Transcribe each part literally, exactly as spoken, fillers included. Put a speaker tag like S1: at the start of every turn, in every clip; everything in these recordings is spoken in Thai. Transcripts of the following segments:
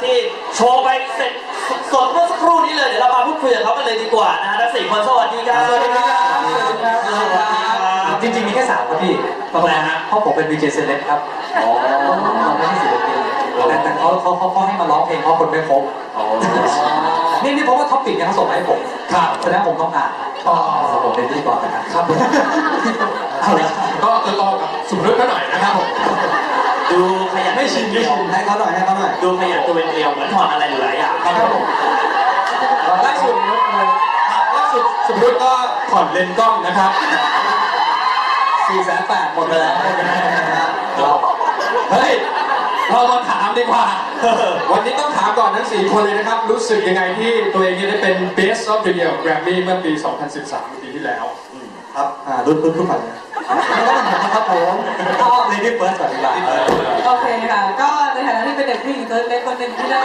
S1: ที่โชว์ไปเสร็จสดเมื่อสักครู่นี้เลยเดี๋ยวเรามาพูดคุยกับเขากันเลยดีกว่านะฮะทั้งสี่คนสวัสดีครับสวัสดีครับสวัสดีครับสวัสดีครับ
S2: จริงๆมีแค่สามครับพี่ทำไมฮะเพราะผมเป็นวีเจเซเลบครับอ๋อไม่ใช่ศิลปินแต่แต่เขาเขาเขาให้มาร้องเพลงเพราะคนไม่ครบนี่นี่เพราะว่าท็อปปิกเนี่ยเขาส่งมาให้ผมครับแสดงผมต้องอ่านอ๋อผมเป็นที่ก่อนนะครับครับเอาละ
S3: ก็ต่อกับสุภฤทธิ์หน่อยนะครับผม
S1: ดูขยัน
S2: ไม่ชินไม่ชินให้เขาหน่อยให้เขาหน่อย
S1: ดูขยันตัวเป็นเกลียวเหมือนถอดอะไรอยู่หลายอย่าง
S3: ครับผมล่าสุดล่าสุดสุภฤทธิ์ก็ถอดเลนส์กล้องนะครับ
S2: สี่แสนแปดหมดไปแล้ว
S3: เฮ้ยเรามาถามดีกว่าวันนี้ต้องถามก่อนทั้งสี่คนเลยนะครับรู้สึกยังไงที่ตัวเองได้เป็น Best of the Year Grammy เมื่อปี สองพันสิบสาม ปีที่แล้ว
S2: ครับอ่ารุ่นรุ่นรุ่นใหม่ครับผมก็เลดี้เฟิร์สก่อนดีกว่า
S4: โอเคค่ะก็ในฐานะที่เป็นเด็กผู้หญิงตัวเล็กคนหนึ่งที่ได้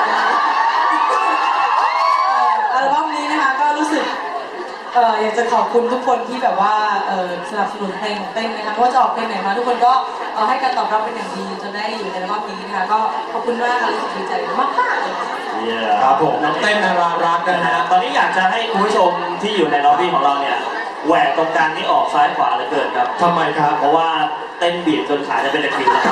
S4: อัลบั้มนี้นะคะก็รู้สึกเอ่ออยากจะขอบคุณทุกคนที่แบบว่าเอ่อสนับสนุนเพลงของเต้นนะคะเพราะว่าจะออกเพลงไหนมาทุกคนก็เอ่อให้การตอบรับเป็นอย่างดีจนได้อยู่ในอัลบั้มนี้นะคะก็ขอบคุณมากค่ะรู้สึกดีใจมากมากเลย
S3: ครับผมน้องเต้นนารารักนะฮะ
S1: ตอนนี้อยากจะให้คุณผู้ชมที่อยู่ในล็อบบี้ของเราเนี่ยแหวกตรงกลางนี่ออกซ้ายขวาเหลือเกินครับ
S3: ทำไมครับ
S1: เพราะว่าเต้นบีบจนขาจะเป็นตะคริวแล้ว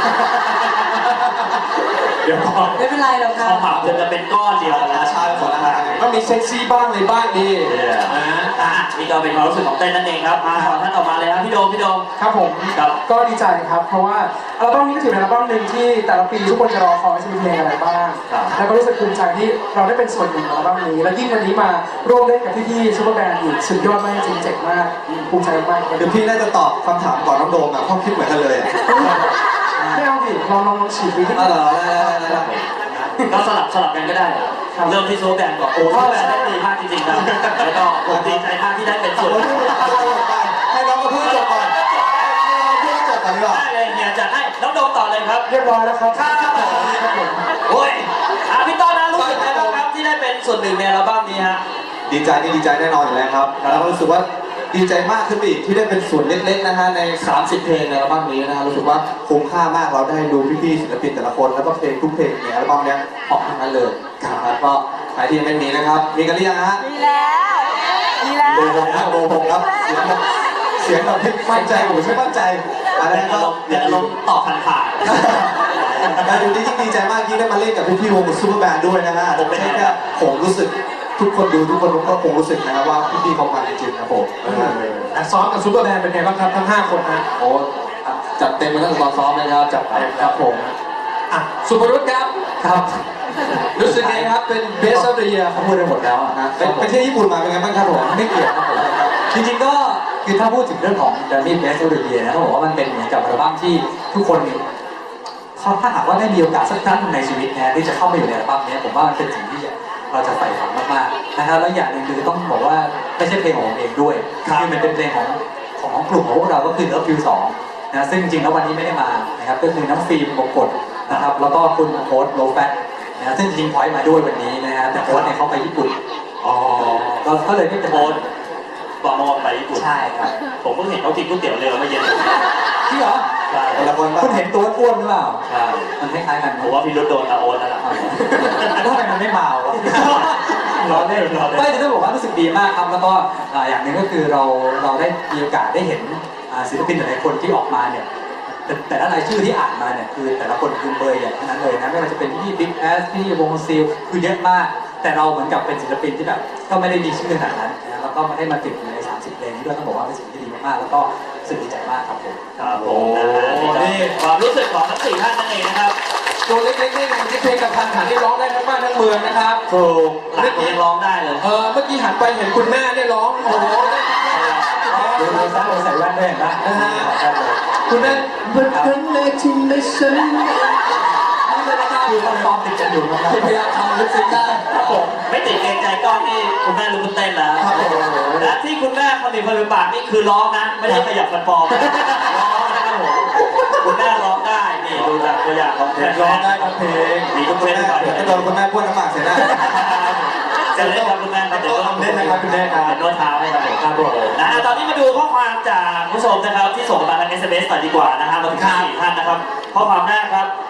S3: เดี๋ยวก่อน
S4: ไม่เป็นไรหรอกค่ะ
S1: ขมับจนจะเป็นก้อนเดียวแล้ว
S2: ใช่หมดแล้วครับ
S3: ก็มีเซ็กซี่บ้างในบ้านดี
S1: นะอ่ะนี่ก็เป็นความรู้สึกของเต้นนั่นเองครับมาท่านต่อมาเลยครับพี่โดมพี่โดม
S5: ครับผมก็ดีใจครับเพราะว่าอัลบั้มนี้ก็ถือเป็นอัลบั้มหนึ่งที่แต่ละปีทุกคนจะรอคอยจะมีเพลงอะไรบ้างแล้วก็รู้สึกภูมิใจที่เราได้เป็นส่วนหนึ่งของอัลบั้มนี้และยิ่งวันนี้มาร่วมเล่นกับพี่ๆซูเปอร์แบนด์อีกสุดยอดมากจริงเจ๋งมากภูมิใจมาก
S2: เดี๋ยวพี่น่าจะตอบคำถามก่อนน้องโดมอ่ะเพราะคิดเหมือนกันเลย
S5: ไม่เอาสิลองลองลองฉีดดูที่
S2: อ๋อเหรอ
S1: ก็สลับสลับกันก็ได้เริ่มที่โซแบนก่อนโอ้โซแบนได้ดีมากจริงๆครับแล้วก็ผมดีใจมากที่ได้เป็นส่วน
S2: ให้น้องมาพูดจบก่อนพูดจบก่อนดีกว่า
S1: ได้เลยเนี่ยจัดให้น้องโดมต่อเลยครับ
S5: เรียบร้อยแล้วครับ
S1: ครับโอ้ยอ่ะพี่ต้อนนะรู้สึกไงบ้างครับที่ได้เป็นส่วนหนึ่งในอัลบั้มนี้ฮะ
S2: ดีใจนี่ดีใจแน่นอนอยู่แล้วครับแล้วรู้สึกว่าดีใจมากขึ้นอีกที่ได้เป็นส่วนเล็กๆนะฮะในสามสิบเพลงในอัลบั้มนี้นะฮะรู้สึกว่าคุ้มค่ามากเราได้ดูพี่ๆศิลปินแต่ละคนแล้วก็เพลงทุกเพลงในอัลบั้มนี้ออกทั้งนั้นเลยครับก็ใครที่ยังไม่มีนะครับมีกันหรือยังฮะ
S4: มีแล้วมีแล้ว
S2: โบผมนะโบผมครับเสียงแบบมั่นใจผมไม่มั่นใจ
S1: อะไรก็เดี๋ยวลงตอบผ่าน
S2: ๆการดูที่ยิ่งดีใจมากที่ได้มาเล่นกับพี่ๆวงซูเปอร์แบนด์ด้วยนะฮะผมไม่ใช่แค่ผมรู้สึกทุกคนดูทุกคนก็คงรู้สึกนะครับว่าพี่ๆเขามาจริงๆครับผม
S3: ซ้อมกับซูเปอร์แบนด์เป็นไงบ้างครับทั้งห้าคนนะ
S2: โอ้จัดเต็มมาตั้งแต่ตอนซ้อมเลยครับจัดเต็มครับผม
S3: อ่ะสุภรุตครับ
S2: ครับ
S3: รู้สึกไงครับเป็น Best of the Year
S2: เขาพูดไปหมดแล้วนะไปเที่ยวญี่ปุ่นมาเป็นไงบ้างครับผมไม่เกี่ยวครับผมจริงๆก็คือถ้าพูดถึงเรื่องของ Grammy Best of the Year นะต้องบอกว่ามันเป็นเหมือนกับอัลบั้มที่ทุกคนเขาถ้าหากว่าได้มีโอกาสสักครั้งในชีวิตนะที่จะเข้ามาอยู่ในอัลบั้มนี้ผมว่ามันเป็นสิ่งที่เราจะใฝ่ฝันมากๆนะครับแล้วอย่างหนึ่งคือต้องบอกว่าไม่ใช่เพลงของผมเองด้วยคือมันเป็นเพลงของของกลุ่มของพวกเราก็คือ Love You สองนะซึ่งจริงๆแล้ววันนี้ไม่ได้มานะครับก็คือน้องฟิล์มบงกฎนะครับแล้วก็คุณโค้ดโลแฟตนะซึ่งจริงๆพอยต์มาด้วยวันนี้นะฮะแต่โค้ดเนี่ยเขาไปญี่ปุ่น
S1: อ๋อ
S2: ก็เลยไม่จะโค้ด
S1: บอกมาไปญี่ปุ่น
S2: ใช่ครับ
S1: ผมเพิ่งเห็นเขากินก๋วยเตี๋ยวเรือเมื่อเย็น
S2: ที่เหรอ
S1: ใช่
S2: คนละคนคุณเห็นตัวอ้วนหรือเปล่า
S1: ใช่
S2: มันคล้ายๆกัน
S1: ผมว่าพี่รุดโดนตาโอ๊ตแล้วล่ะ
S2: แล้วทำไมมันไม่เมารอเล่นรอเล่นไม่จะต้องบอกว่ารู้สึกดีมากครับแล้วก็อย่างหนึ่งก็คือเราเราได้มีโอกาสได้เห็นศิลปินหลายคนที่ออกมาเนี่ยแต่ละรายชื่อที่อ่านมาเนี่ยคือแต่ละคนคือเบอร์ใหญ่ทั้งนั้นเลยนะไม่ว่าจะเป็นพี่บิ๊กแอสพี่วงซิลคือเยอะมากแต่เราเหมือนกับเป็นศิลปินที่แบบก็ไม่ได้มีชื่อขนาดนั้นนะแล้วก็มาได้มาติดอยู่ในสามสิบเพลงนี้ด้วยต้องบอกว่าเป็นสิ่งที่ดีมากๆแล้วก็รู้สึกดีใจมากครับผม
S1: ครับผมนี่ความรู้สึกของทั้งสี่ท่านนั่นเองนะครับ
S3: ตัวเล็กๆนี่ที่เพลงกับพันหันที่ร้องได้ทั้งบ้านทั้งเมืองนะครับ
S1: ถูกหลักยังร้องได้เลย
S3: เออเมื่อกี้หันไปเห็นคุณแม่เนี่ยร้องโอ้โห
S2: ดูดูซะดูใส่แว่นด้วยเห็นไหม
S3: นะฮะคุณแม่เมื่อครั้งแรกที่ได้ฉัน
S2: คือต้องซ้อมติดกันอยู่นะครับ
S3: พยายามทำลึกซึ้งได้
S1: ผมไม่ติดเกรงใจกล้องนี่คุณแม่รู้คุณเต้นแล้วและที่คุณแม่คนอื่นคนอื่นปากนี่คือร้องนะไม่ได้ขยับฟันปลอมร้องนะครับผมคุณแม่ร้องได้นี่ดูจากตัวอย่างของเพลง
S3: ร้องได้ครับเพลง
S1: มีทุกเพลงก่อน
S2: จะโดนคุณแม่พ่นน้ำปากเสียหน้า
S1: จะเล่นกับคุณแม่ครับเดี๋ยว
S3: ต้องเล่นนะครับคุณแม่ครับ
S1: เป็นนวดเท้าให้ครับผมครับผมนะตอนนี้มาดูข้อความจากผู้ชมนะครับที่ส่งมาทาง เอส เอ็ม เอส หน่อยดีกว่านะครับมาถึงสี่ท่านนะครับข้อความแรกครับ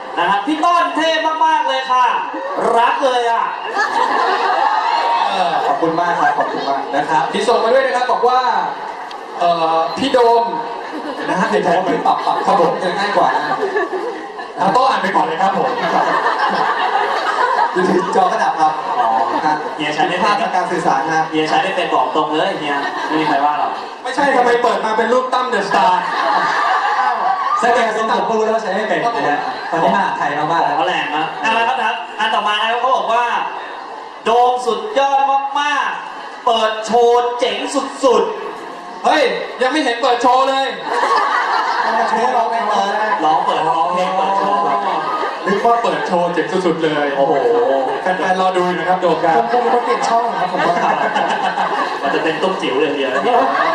S1: นะครับพี่ต้นเท่มากๆเลยค่ะ รักเลยอ่ะ
S3: เออ
S2: ขอบคุณมากครับขอบคุณมากนะครับ
S3: พี่ส่งมาด้วยนะครับบอกว่าเอ่อพี่โดมเดี๋ยวนะฮะ
S2: ใน
S3: ใน
S2: แผ
S3: แผ
S2: น
S3: น
S2: ที่ปรับปรับครับผมจะง่ายกว่านะ
S3: เอาโต๊ะอ่านไปก่อนเลยครับผม
S2: อยู่ที่จอกระดับครับอ๋อครับ
S1: เฮียใช้ไม่
S2: ภา
S1: เป็น
S2: พทางการสื่อสารนะ
S1: เฮียใช้ไม่เป็นบอกตรงเลยเฮียไม่มีใครว่าหรอก
S3: ไม่ใช่ทำไมเปิดมาเป็นรูปตั้มเดอะสตาร์
S2: สังเกตทรงผมก็รู้แล้วว่าใช้ไม่เป็นนะฮะตอนนี้มาไทยมากๆแล้ว
S1: เขาแรงนะเอาละครับนะครับอันต่อมานะครับเขาบอกว่า โดมสุดยอดมากๆ เปิดโชว์เจ๋งสุด
S3: เฮ้ยยังไม่เห็นเปิดโชว์เลย
S2: โชว์ร้องเพลงมา
S1: ๆร้องเปิดร้องเพลงเปิดโชว์ครับ
S3: นึกว่าเปิดโชว์เจ๋งสุดๆเลย
S1: โอ้โห
S3: แฟนๆรอดูอยู่นะครับโดมครับ
S5: ผมคงเป็นคนเปลี่ยนช่องครับผมว่า
S1: มันจะเป็นตุ้มจิ๋วเลยทีเดียวนะเนี่ย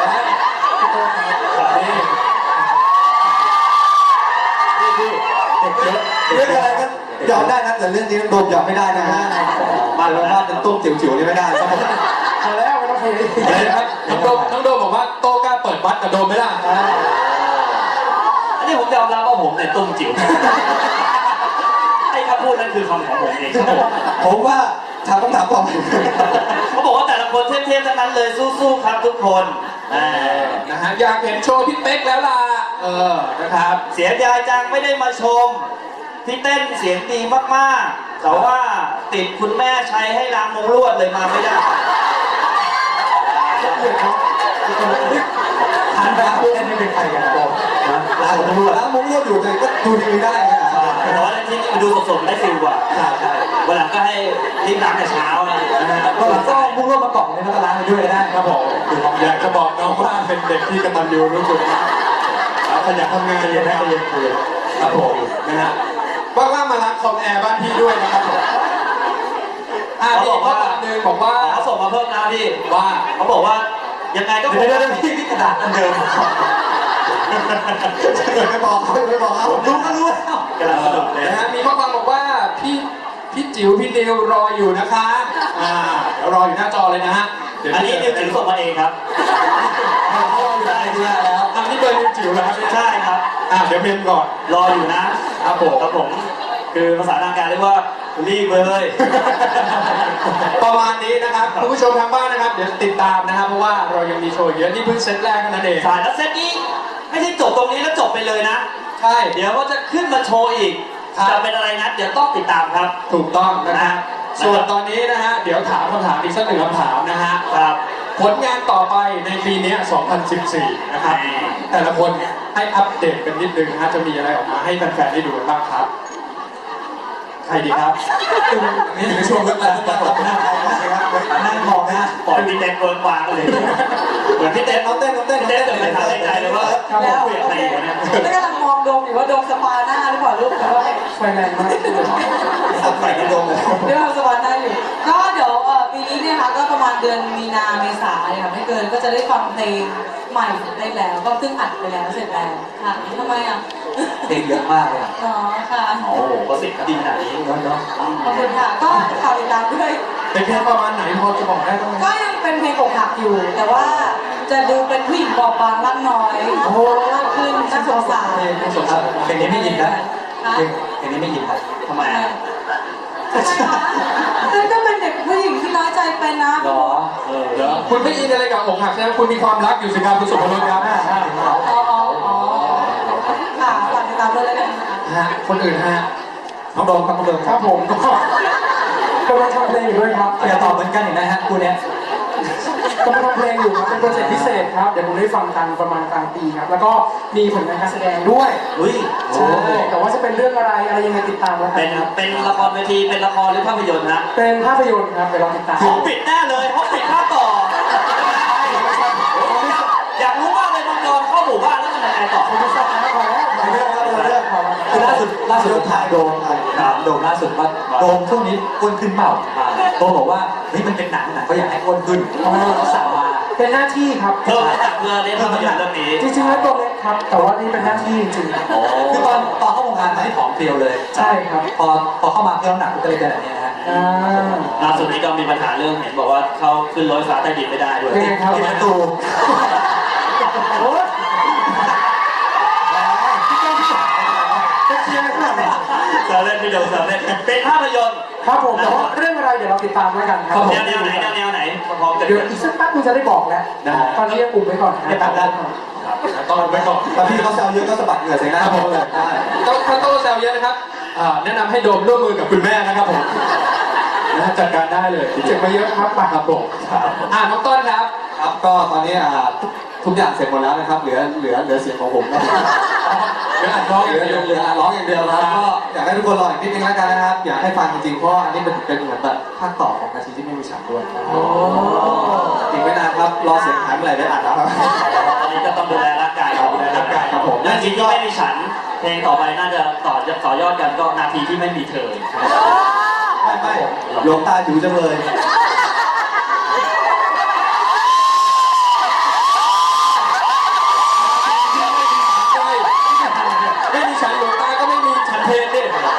S3: นี่
S1: นี่พี่เด็กเยอะ
S2: เรื่องอะไรก็ยอมได้นะแต่เรื่องนี้โดมยอมไม่ได้นะฮะมาแล้วว่าเป็นตุ้มจิ๋วๆนี่ไม่ได้ครับผม
S5: พอแล้วไม่ต้องคุย
S3: อะไรนะครับน้องโดมน้องโดมบอกว่าโต้กล้าเปิดบัตรกับโดมไหมล่ะ
S1: อันนี้ผมยอมรับว่าผมเนี่ยตุ้มจิ๋วไอ้คำพูดนั้นคือคำของผมเองครับผม
S2: ผมว่าถามคำถามต่อไป
S1: เขาบอกว่าแต่ละคนเทพๆทั้งนั้นเลยสู้ๆครับทุกคนอ่า
S3: นะฮะอยากเห็นโชว์พี่เป๊กแล้วล่ะเออนะครับ
S1: เสียดายจังไม่ได้มาชมพี่เต้นเสียงดีมากๆ แต่ว่าติดคุณแม่ใช้ให้ล้างมงลวดเลยมาไม่ได้
S2: ทานแบบเล่นไม่เป็นใครกันนะล้างมุ้งลวดล้างมุ้งลวดอยู่เลยก็ดูดีไม่ได้นะ
S1: แต่ว่าที่นี่มาดูสดๆได้ฟิลกว่า
S2: ใช่ใช่
S1: วันหลังก็ให้รีบล้างแต่เช้านะนะฮะ
S2: ก็หลังก็มุ้งลวดมากล่องเลยแล้วก็ล้างไปด้วยได้
S3: ครับผมอยากจะบอกน้องว่าเป็นเด็กที่กตัญญูรู้คุณแล้วขยันทำงาน
S2: เรียนได้เรียนคุย
S3: ครับผมนะฮะว่างๆมาล้างคอมแอร์บ้านพี่ด้วยนะครับผมอ่า
S1: เขา
S3: พี่
S1: บอก
S3: ข้อ
S1: ว่า
S3: ความหนึ่งบอกว่า
S1: เขาส่งมาเพิ่มนะพี่
S3: ว่า
S1: เขาบอกว่ายังไงก็ค
S2: เดี๋
S1: ง
S2: ยวเดี๋ยวพี่พี่กระดาษอันเดิมไม่บอกเขาไม่บอกเขารู้ก็รู้แล้ว
S1: กำลังสนุกเลย
S3: นะฮะมีข้อความบอกว่าพี่พี่จิ๋วพี่นิวรออยู่นะคะอ่าเดี๋ยวรออยู่หน้าจอเลยนะฮะเดี๋ยว
S1: อันนี้นิวจิ๋วส่งมาเองครับ
S2: เขารออยู่ในไอเดียแล้ว
S3: อันนี้เบอร์นิวจิ๋วแล้วครับเนี่ย
S1: ใช่ครับ
S3: อ่าเดี๋ยวเมมก่อน
S1: รออยู่นะครับ
S3: ผม
S1: ครับผม คือภาษาทางการเรียกว่ารีบเลย
S3: ประมาณนี้นะครับคุณผู้ชมทางบ้านนะครับเดี๋ยวติดตามนะครับเพราะว่าเรายังมีโชว์เยอะนี่เพิ่งเซตแรกเท่านั้นเอง
S1: สายแล้วเซตนี้ไม่ใช่จบตรงนี้แล้วจบไปเลยนะ
S3: ใช่
S1: เดี๋ยวก็จะขึ้นมาโชว์อีก
S3: ครับ
S1: จะเป็นอะไรนะเดี๋ยวต้องติดตามครับ
S3: ถูกต้องนะฮะ
S1: นะ
S3: ส่วนตอนนี้นะฮะเดี๋ยวถามคำถามอีกสักหนึ่งคำถามนะฮะ
S1: ครับ
S3: ผลงานต่อไปในปีนี้ สองพันสิบสี่ นะครับ แต่ละคนให้อัปเดตกันนิดนึงนะฮะจะมีอะไรออกมาให้แฟนๆได้ดูกันบ้างครับ ใครดีครับ
S2: นี่อยู่ในช่วงเรื่องการตอบหน้าใครนะครับนั่งมองนะ
S1: ปล่อยพี่เต้นเวิร์กวางเลย เหมือนพี่เต้น
S2: น้องเต้นน้องเต้น
S1: พี่เต้นเกิดไม่ทันในใจเลยว่า
S4: แล้ว
S1: คุยกับใครอยู่เนี่ย
S4: แล้วกำลังมองโดมอยู่ว่าโดมสปาหน้าหรือเปล่าลูกแต่ว่า
S5: ไฟแรงมาก
S2: สับใส่กระโดงเลย
S4: เดี๋ยวเราสปาหน้าอยู่ก็เดี๋ยวเอ่อปีนี้เนี่ยค่ะก็ประมาณเดือนมีนาเมษาเนี่ยค่ะไม่เกินก็จะได้ฟังเพลงใหม่ได้แล้ว ก็ซึ่งอัดไปแล้วเสร็จแล้วค่ะทำไมอ่ะ
S2: เพลงเยอะมากเลย
S4: อ๋อค่ะ
S1: โอ้โหก็สิบดีขนาดนี้
S2: เนาะเนาะ
S4: ขอบคุณค่ะก็ข่าวติดตามด้วย
S3: เป็นเพลงประมาณไหนพอจะบอกได้บ้างไหม
S4: ก็ยังเป็นเพลงอกหักอยู่ แต่ว่าจะดูเป็นผู้หญิงบอบบางร่างน้อยโอ้โหมากขึ้นน่าสงสาร
S2: เพลงนี้ไม่ยินนะเพลงเพลงนี้ไม่ยินนะ
S1: ทำไมอ่ะ
S4: ทำไมคะซึ่งก็เป็นเด็กผู้หญิงที่น้อยใจเป็นนะ
S2: หรอ
S1: เออ
S3: เดี๋ยวคุณไม่อินอะไรกับอกหักใช่ไหมคุณมีความรักอยู่สิครับคุณสุภพลครับ
S4: อ๋ออ๋ออ๋อค่ะฝากติดตามด้วยแล้วกันนะคะ
S3: ฮะคนอื่นฮะ
S2: น้องโดมครับน้องโดม
S5: ครับผมก็กำลังทำเพลงอยู่ด้วยครับ
S2: อย่าตอบเหมือนกันเห็นไหมฮะคู่เนี้ย
S5: กำลังทำเพลงอยู่ครับเป็นโปรเจกต์พิเศษครับเดี๋ยวผมได้ฟังกันประมาณกลางปีครับแล้วก็มีผลงานการแสดงด้วย
S1: อุ้ย
S5: ใช่แต่ว่าจะเป็นเรื่องอะไรอะไรยังไงติดตามแล้วกั
S1: เป็น
S5: นครับ
S1: เป็นละครเวทีเป็นละครหรือภาพยนตร์นะ
S5: เป็นภาพยนตร์ครับเดี๋ยวลองติดตาม
S1: ห้องปิดแน่เลยห้องปิดภาคต่อ อยากรู้ว่าเลยมังกรเข้าหมู่บ้านแล้วมันยังไงต่อ
S5: ผมจะสอบนะพอแล้วพอแล้วพอแล้วพอแล้ว
S2: คือล่าสุดล่าสุดถ่ายโดมถามโดมล่าสุดว่าโดมช่วงนี้อ้วนขึ้นเปล่าโดมบอกว่าเฮ้ยมันเป็นหนังหนังก็อยากให้อ้วนขึ้นเพราะว่าเราสาวมา
S5: เป็นหน้าที่ครับ
S1: เพิ่มน้ำหนักเพื่อเล่นภาพยนตร์เรื่องนี้
S5: จริงๆแล้วตัวเล็กครับ แต่ว่านี่เป็นหน้าที่จริงๆ
S1: โอ้
S2: คือตอนตอนเข้าวงการมาที่ผอมเพรียวเลย
S5: ใช่ครับ
S2: พอพอเข้ามาเพิ่มน้ำหนักก็เลยเป็นแบบนี้นะฮะ
S5: อ่า
S1: ล่าสุดนี้ก็มีปัญหาเรื่องเห็นบอกว่าเข้าขึ้นรถไฟฟ้าใต้ดินไม่ได้ด้วย
S5: เป็นไงครับ
S2: ที่ประตู
S5: โอ้ยจะเคลียร์ขนาดไหน
S1: แสวเล่นพี่โดแซวเล่นเป็นภาพยนตร์
S5: ครับผมแต่ว่าเรื่องอะไรเดี๋ยวเราติดตามแล้วกันครับ
S1: แนวแนวไหนแนวแนวไหนพร้อมกัน
S5: เดี๋ยวอีกสักแป๊บนึงจะได้บอกแล้วตอนนี้ยังอุบไว้ก่อน
S2: ไม่ตัดแล้ว
S3: ต้องไปก่อน
S2: ตอนพี่เขาแซวเยอะก็สะบัดเหงื่อใส่หน้าผมเลยได้
S3: ต้องถ้าโต้แซวเยอะนะครับอ่าแนะนำให้โดมร่วมมือกับคุณแม่นะครับผมนะจัดการได้เลย
S5: เจ็บมาเยอะครับไป
S3: ครับผมอ่าน้องต้นครับ
S2: ครับก็ตอนนี้อ่าทุกอย่างเสร็จหมดแล้วนะครับ เหลือเหลือเหลือเสียงของผมครับ
S3: เดี๋ยวอัดร้อง
S2: เห
S3: อ
S2: ลือย่าง เหลื
S3: เดี
S2: อ
S3: ยว
S2: เหลือร้องอย่างเดียวครับก็อยากให้ทุกคนรออีกนิดนึงแล้วกันนะครับ อยากให้ฟังจริงๆเพราะอันนี้มันเป็นเหมือนแบบภาคต่อของนาทีที่ไม่มีฉันด้วยอีกไม่นานครับรอเสียงหายเมื่อไหร่ได้อ่านแล้วครับ
S1: ตอนนี้ก็ต้องดูแลร่างกายดูแลร่างกายครับผมและจริงที่ไม่มีฉันเพลงต่อไปน่าจะต่อต่อยอดกันก็นาทีที่ไม่มีเธอ
S2: ไม่ไม่หลวงตาอยู่จังเลย
S3: ไม่มีฉันหลวงตาก็ไม่มีฉันเพลงดิ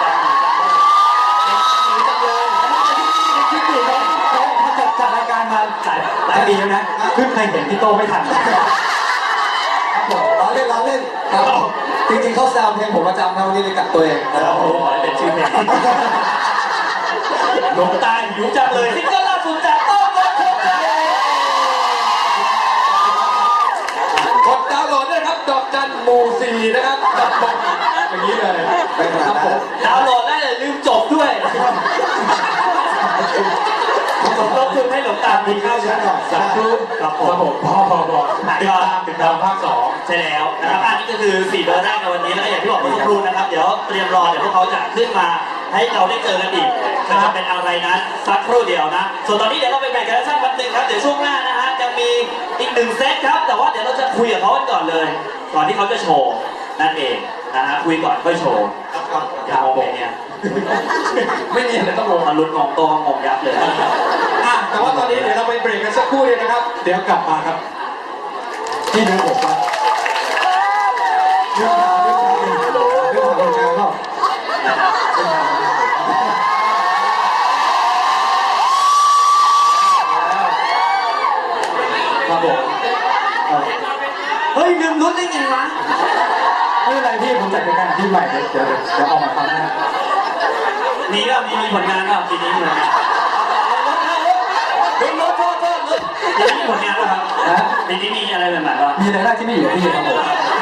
S2: คิดดูนะเขาจัดจัดรายการมาหลายหลายปีแล้วนะเพิ่งเคยเห็นพี่โตไม่ทันครับผมล้อเล่นล้อเล่นครับจริงๆเขาแซวเพลงผมประจำนะวันนี้เลยกัดตัวเองนะค
S1: แล้
S2: รั
S1: ว
S2: บ
S1: โอ้โหเป็นชื่อเพลงหลวงตาหิวจังเลยซิงเกิลล่าสุดจากโต้งรถทุกข์
S3: กดดาวน์โหลดด้วยครับดอกจันหมู่สี่นะครับจัดบอกอย่างนี้เลย
S2: ไปขนาดนั้น
S1: ดาวน์โหลดได้เลยลืมจบด้วยสมทบทุนให้หลวงตาบุญเข้าชั้นหน่อยสักครู่ครับผ
S3: ครั
S1: ม
S3: บผมพอพอพอติดตามติดตามภาคสอง
S1: ใช่แล้วนะครับอันนี้ก็คือสี่เบอร์แรกในวันนี้แล้วก็อย่างที่บอกเมื่อสักครู่นะครับเดี๋ยวเตรียมรอเดี๋ยวพวกเขาจะขึ้นมาให้เราได้เจอกันอีกจะเป็นอะไรนั้นสักครู่เดียวนะส่วนตอนนี้เดี๋ยวเราไปแบ่งกันสักแป๊บนึงครับเดี๋ยวช่วงหน้านะฮะจะมีอีกหนึ่งเซตครับแต่ว่าเดี๋ยวเราจะคุยกับเขากันก่อนเลยก่อนที่เขาจะโชว์นั่นเองนะฮะคุยก่อนค่อยโชว์
S2: ครับ
S1: อย่ามองไปเนี่ย
S3: ไม่มีอะไรต้องงง
S1: มาลุ้นงงโตงงงยับเลย
S3: อ่ะแต่ว่าตอนนี้เดี๋ยวเราไปเบรกกันสักครู่เดียวนะครับ เดี๋ยวกลับมาครับ
S2: ที่ดูผมปะเรื่องราวเรื่องราวเรื่องราวเรื่องราวเปล่า
S3: ครับผม
S1: เฮ้ยลืมลุ้นได้ไงวะ
S2: ไม่เป็นไรพี่ผมจัดรายการที่ใหม่เดี๋ยวเดี๋ยวเดี๋ยวออกมาฟังนะ
S1: มีก็มีมีผลงานก็ปีนี้มีผลงานลุ้นลุ้นโทษโทษลุ้นปีนี้มีผลงานป่ะครับ
S2: นะ
S1: ปีนี้มีอะไรใหม่ๆป่ะ
S2: มีรายได้ที่ไม่อยู่กับพี่ครับผม